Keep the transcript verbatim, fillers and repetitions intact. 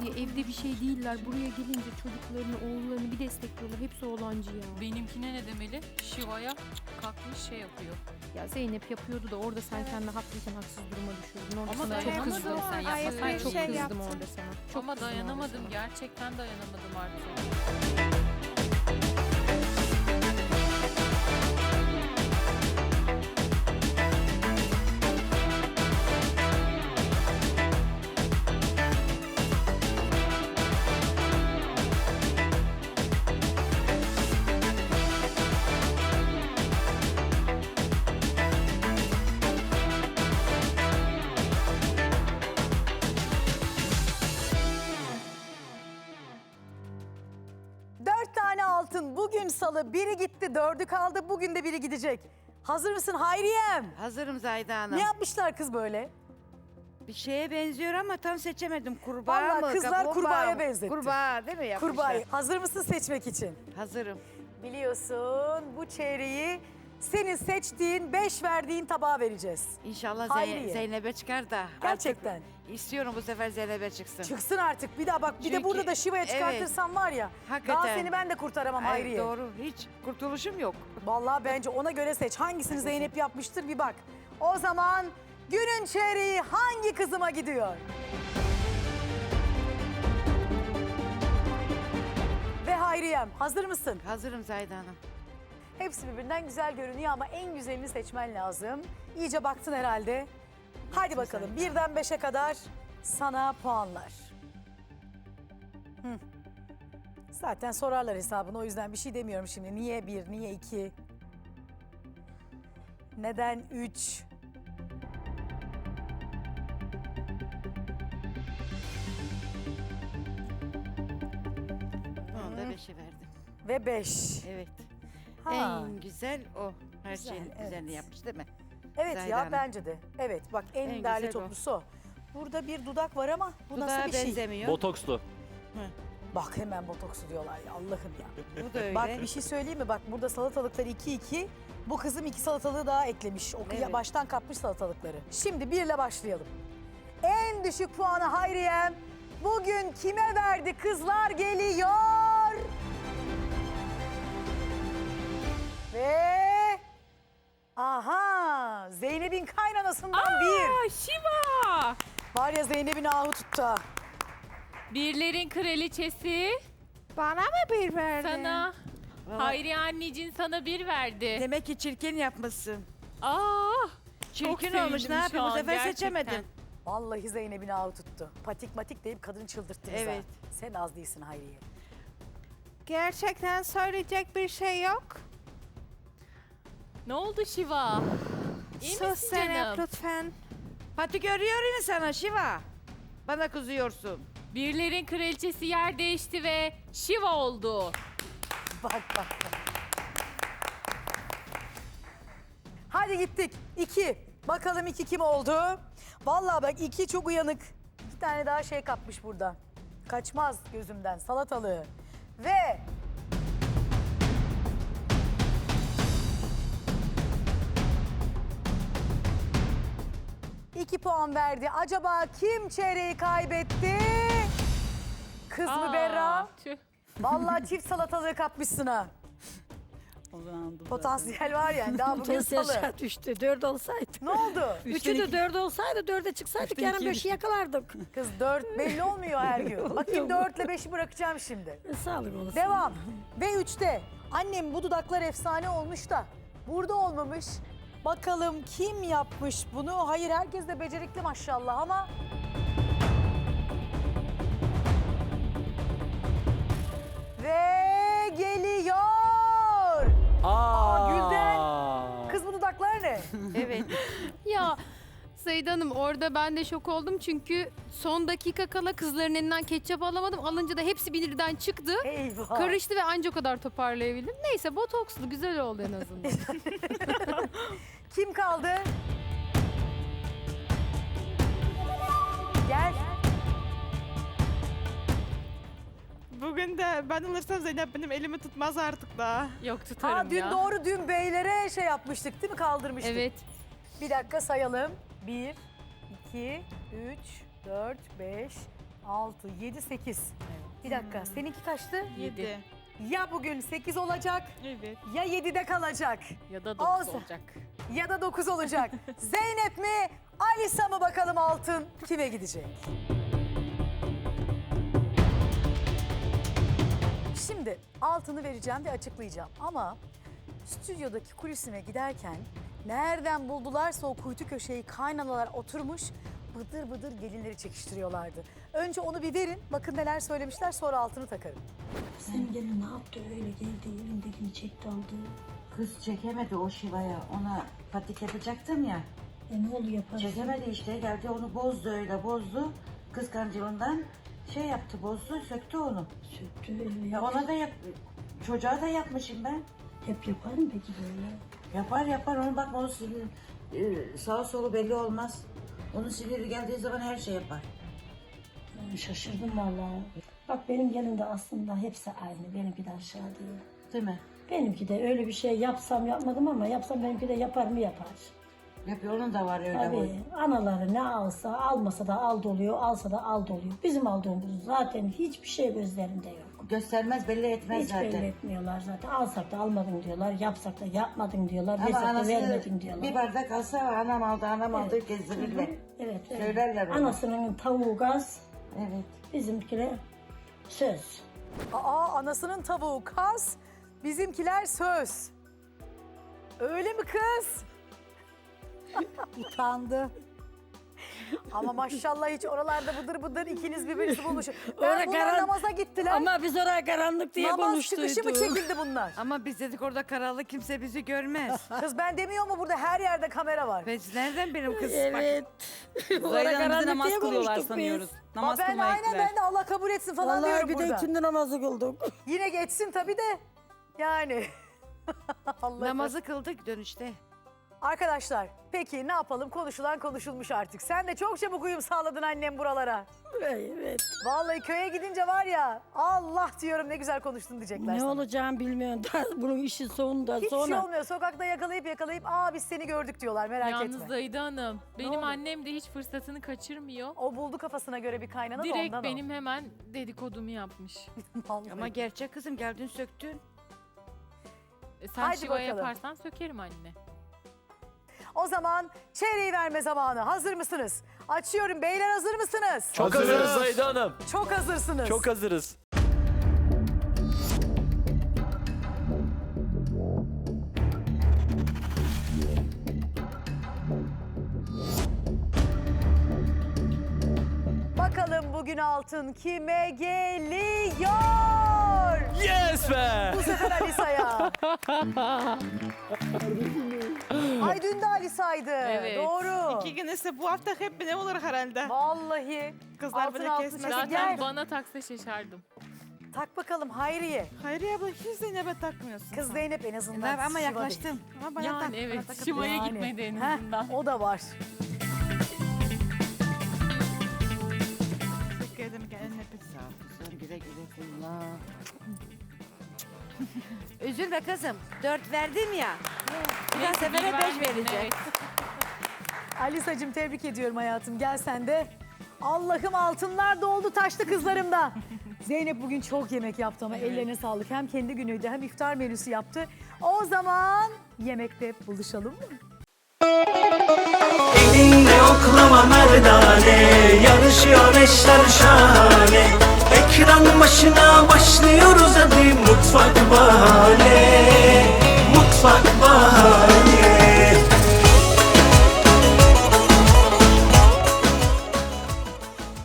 ya evde bir şey değiller. Buraya gelince çocuklarını, oğullarını bir destekliyorlar. Hepsi oğlancı ya. Benimkine ne demeli? Şiva'ya kalkmış şey yapıyor. Ya Zeynep yapıyordu da orada sen kendini haklıyken haksız duruma düşürdün. Orada Ama sana çok dayanamadım kızdım. sen yapmasaydın. Ben çok Şey kızdım yaptın. orada sana. Çok Ama kızdım orada dayanamadım. sana. Gerçekten dayanamadım artık. Dört tane altın. Bugün salı. Biri gitti, dördü kaldı. Bugün de biri gidecek. Hazır mısın Hayriyem? Hazırım Zahide Hanım. Ne yapmışlar kız böyle? Bir şeye benziyor ama tam seçemedim. Kurbağa Vallahi mı? kızlar kaplumbağa kurbağaya mı? benzetti. Kurbağa değil mi yapmışlar? Kurbağayı. Hazır mısın seçmek için? Hazırım. Biliyorsun bu çeyreği senin seçtiğin, beş verdiğin tabağa vereceğiz. İnşallah Hayriye. Zey- Zeynep'e çıkar da. Gerçekten. Artık istiyorum bu sefer Zeynep'e çıksın. Çıksın artık. Bir daha bak bir de Çünkü- burada da Şiva'ya çıkartırsam var ya. Hakikaten. Daha seni ben de kurtaramam Ay, Hayriye. doğru. Hiç kurtuluşum yok. Vallahi bence ona göre seç. Hangisini Zeynep yapmıştır bir bak. O zaman günün çeyreği hangi kızıma gidiyor? Ve Hayriyem hazır mısın? Hazırım Zahide Hanım. Hepsi birbirinden güzel görünüyor ama en güzelini seçmen lazım. İyice baktın herhalde. Hadi bakalım birden beşe kadar sana puanlar. Hı. Zaten sorarlar hesabını o yüzden bir şey demiyorum şimdi. Niye bir, niye iki? Neden üç? Onu da beşe verdim. Ve beş. Evet. Ha. En güzel o. Her Güzel, şeyin evet. güzelini yapmış değil mi? Evet Zahide ya Hanım. bence de. Evet bak en, En değerli güzel o. toplusu o. Burada bir dudak var ama bu Dudağa nasıl bir şey? benzemiyor. Botokslu. Bak hemen botoksu diyorlar ya Allah'ım ya. Bu da öyle. Bak bir şey söyleyeyim mi? Bak burada salatalıklar iki iki. Bu kızım iki salatalığı daha eklemiş. O Evet. baştan kapmış salatalıkları. Şimdi birle başlayalım. En düşük puanı Hayriyem bugün kime verdi? Kızlar geliyor. Ve... Aha! Zeynep'in kaynanasından bir. Şiva! Var ya Zeynep'in ahı tuttu. ha. Birlerin kraliçesi Bana mı bir verdin? sana. Hayri anneciğin sana bir verdi. Demek ki çirkin yapmışsın. Aa! Çirkin olmuş. Ne yapayım? Bu sefer seçemedim. Vallahi Zeynep'in ahı tuttu. Patik matik deyip kadını çıldırttınız ha. Evet. Sen az değilsin Hayriye. Gerçekten söyleyecek bir şey yok. Ne oldu Şiva? İyi Sus misin Zeynep canım? lütfen. Pati görüyor mu sana Şiva? Bana kızıyorsun. Birlerin kraliçesi yer değişti ve Şiva oldu. Bak bak bak. Hadi gittik. İki. Bakalım iki kim oldu? Vallahi bak iki çok uyanık. İki tane daha şey kapmış burada. Kaçmaz gözümden salatalığı. Ve... İki puan verdi. Acaba kim çeyreği kaybetti? Kız mı Aa, Berra? tüh. Vallahi çift salatalığı kapmışsın ha. Potansiyel var yani daha bugün Potansiyel salı. şart düştü. Dört olsaydı. Ne oldu? Üçü de dört olsaydı dörde çıksaydık yarın beşi yakalardık. Kız dört belli olmuyor her gün. Bakayım dörtle beşi bırakacağım şimdi. E, Sağlık olasın. Devam. Ve üçte. Annem bu dudaklar efsane olmuş da burada olmamış. Bakalım kim yapmış bunu? Hayır herkes de becerikli maşallah ama... Ve geliyor. Aa, Gülden. Kız bu dudaklar ne? Evet. Ya Zahide Hanım orada ben de şok oldum çünkü son dakika kala kızların elinden ketçap alamadım. Alınca da hepsi birden çıktı. Eyvah. Karıştı ve anca o kadar toparlayabildim. Neyse botokslu güzel oldu en azından. Kim kaldı? Gel. Bugün de ben alırsam Zeynep benim elimi tutmaz artık da. Yok tutarım Ha dün ya. doğru dün beylere şey yapmıştık değil mi? Kaldırmıştık. Evet. Bir dakika sayalım. Bir, iki, üç, dört, beş, altı, yedi, sekiz. Bir dakika seninki kaçtı? Yedi. Ya bugün sekiz olacak Evet. ya yedide kalacak Ya da dokuz Olsun. olacak. ya da dokuz olacak. Zeynep mi Alisa mı bakalım altın kime gidecek? Şimdi altını vereceğim ve açıklayacağım ama stüdyodaki kulisime giderken nereden buldularsa o kuytu köşeyi kaynanalar oturmuş bıdır bıdır gelinleri çekiştiriyorlardı. Önce onu bir verin bakın neler söylemişler sonra altını takarım. Senin gelin ne yaptı öyle geldi elindekini çekti aldı. Kız çekemedi o Şiva'ya. Ona patik yapacaktım ya. E ne oluyor yaparsın? Çekemedi işte. Geldi onu bozdu öyle bozdu. Kıskancılığından şey yaptı bozdu söktü onu. Söktü öyle. Ya ona da yap çocuğa da yapmışım ben. Hep yapar mı peki böyle? Yapar yapar onu bakma o sinir e, sağa solu belli olmaz. Onun siniri geldiği zaman her şey yapar. Ben şaşırdım vallahi. Bak benim gelin de aslında hepsi aynı. Benimki de aşağı değil. Değil mi? Benimki de öyle bir şey yapsam yapmadım ama yapsam benimki de yapar mı yapar. Yapıyor onun da var öyle boy. Tabii anaları ne alsa almasa da al doluyor, alsa da al doluyor. Bizim aldığımız zaten hiçbir şey gözlerinde yok. Göstermez belli etmez Hiç zaten. belli etmiyorlar zaten. Alsak da almadın diyorlar, yapsak da yapmadın diyorlar, Ama versek de anası vermedin diyorlar. bir bardak alsa anam aldı anam aldı gezdirirler. Evet, evet. Söylerler onu. Anasının tavuğu gaz, Evet. bizimkiler söz. Aa anasının tavuğu kaz bizimkiler söz. Öyle mi kız? Utandı. Ama maşallah hiç oralarda bıdır bıdır ikiniz birbirinizi bulmuşsun. Orada Ben bunlar karan- namaza gittiler. Ama biz oraya karanlık diye Namaz konuştuyduk. çıkışı mı çekildi bunlar? Ama biz dedik orada karanlık kimse bizi görmez. Kız ben demiyor mu burada her yerde kamera var. Biz nereden benim kız? Evet. Orada karanlık diye konuştuk biz. Aa, ben aynen ben de Allah kabul etsin falan Vallahi diyorum bir de burada. ikindi namazı kıldık. Yine geçsin tabii de. Yani. Allah Namazı kıldık dönüşte. Arkadaşlar peki ne yapalım konuşulan konuşulmuş artık. Sen de çok çabuk uyum sağladın annem buralara. Evet. Vallahi köye gidince var ya Allah diyorum ne güzel konuştun diyecekler Ne sana. olacağım bilmiyorum. Daha bunun işi sonunda Hiç sonra. şey olmuyor sokakta yakalayıp yakalayıp aa biz seni gördük diyorlar merak Yalnız etme. Zahide Hanım, oldu? benim annem de hiç fırsatını kaçırmıyor. O buldu kafasına göre bir kaynana da Direkt ondan benim hemen dedikodumu yapmış. o. Vallahi. Ama gerçek kızım geldin söktün. E, Sen Haydi şiva bakalım. yaparsan sökerim anne. O zaman çeyreği verme zamanı. Hazır mısınız? Açıyorum. Beyler hazır mısınız? Çok hazırız Zahide Hanım. Çok hazırsınız. Çok hazırız. Bakalım bugün altın kime geliyor? Yes be! Bu sefer Alisa'ya. Ay dün de Alisa'ydı. Evet. Doğru. İki gün ise bu hafta hep ne olur herhalde. Vallahi. Kızlar altın beni altın kesmez. çeşit. Zaten Gel. bana taksa şaşardım. Tak bakalım Hayriye. Hayriye abla hiç Zeynep'e takmıyorsun. Kız sen. Zeynep en azından. Ben ama Şiva değil. yaklaştım. Ama bana tak. Yani bana evet, takıp- şivaya Yani. gitmedi en Heh, azından. o da var. Teşekkür ederim kendine pizza. Sağ ol kızım güle güle kullan. Üzülme kızım. Dört verdim ya. Bir daha Neyse, sefere bir beş vermedin, vereceğim. evet. Alisa'cığım tebrik ediyorum hayatım. Gel sen de. Allah'ım altınlar doldu taştı kızlarımda. Zeynep bugün çok yemek yaptı ama ellerine sağlık. Hem kendi günüydü hem iftar menüsü yaptı. O zaman yemekte buluşalım mı? Elinde oklama merdane, yarışıyor eşler şahane. Ekran başına başlıyoruz hadi mutfak bahane. Mutfak